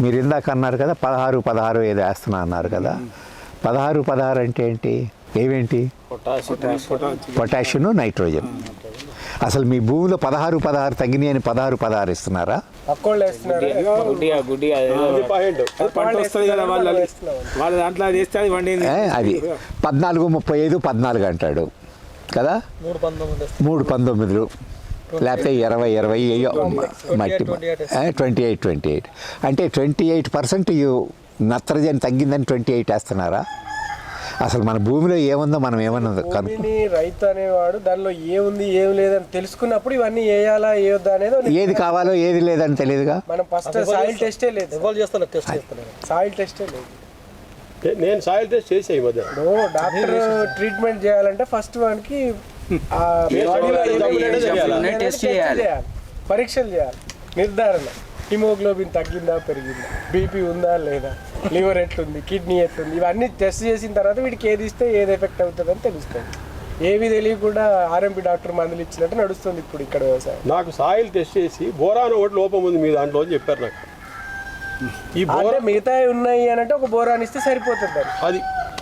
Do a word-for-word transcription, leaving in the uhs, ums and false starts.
మీరు ఇందాక అన్నారు కదా పదహారు పదహారు ఏదో వేస్తున్నా అన్నారు కదా. పదహారు పదహారు అంటే ఏంటి, ఏమేంటి? Potassium, nitrogen. అసలు మీ భూమిలో పదహారు పదహారు తగ్గినాయి అని పదహారు పదహారు ఇస్తున్నారా? అది పద్నాలుగు ముప్పై ఐదు పద్నాలుగు అంటాడు కదా, మూడు పంతొమ్మిదిలు లేకపోతే ఇరవై ఇరవై మట్టి ట్వంటీ ఎయిట్ ట్వంటీ ఎయిట్ అంటే ట్వంటీ ఎయిట్ పర్సెంట్ నత్రజని తగ్గిందని ట్వంటీ ఎయిట్ వేస్తున్నారా? అసలు మన భూమిలో ఏముందో మనం ఏమన్నా రైతు అనేవాడు దానిలో ఏముంది ఏం లేదని తెలుసుకున్నప్పుడు ఇవన్నీ వేయాలా వేయొద్దా అనేది, ఏది కావాలో ఏది లేదని తెలియదుగా. మనం ఫస్ట్ సాయిల్ టెస్టే లేదు, సాయిల్ టెస్టే లేదు. నేను సాయిల్ టెస్ట్ చేసే ఈ మధ్య. డాక్టర్ ట్రీట్మెంట్ చేయాలంటే ఫస్ట్ వానికి పరీక్షలు చేయాలి, నిర్ధారణ హిమోగ్లోబిన్ తగ్గిందా పెరిగిందా, బీపీ ఉందా లేదా, లివర్ ఎట్లుంది, కిడ్నీ ఎట్లుంది, ఇవన్నీ టెస్ట్ చేసిన తర్వాత వీడికి ఏది ఇస్తే ఏది ఎఫెక్ట్ అవుతుందని తెలుస్తుంది. ఏవి తెలియకుండా ఆర్ఎంపీ డాక్టర్ మందులు ఇచ్చినట్టు నడుస్తుంది ఇప్పుడు ఇక్కడ వ్యవసాయం. నాకు సాయిల్ టెస్ట్ చేసి బోరాన్ ఒకటి లోపం ఉంది మీ దాంట్లో అని చెప్పారు నాకు. ఈ బోరా మిగతా ఉన్నాయి అని అంటే ఒక బోరాన్ ఇస్తే సరిపోతుంది. అది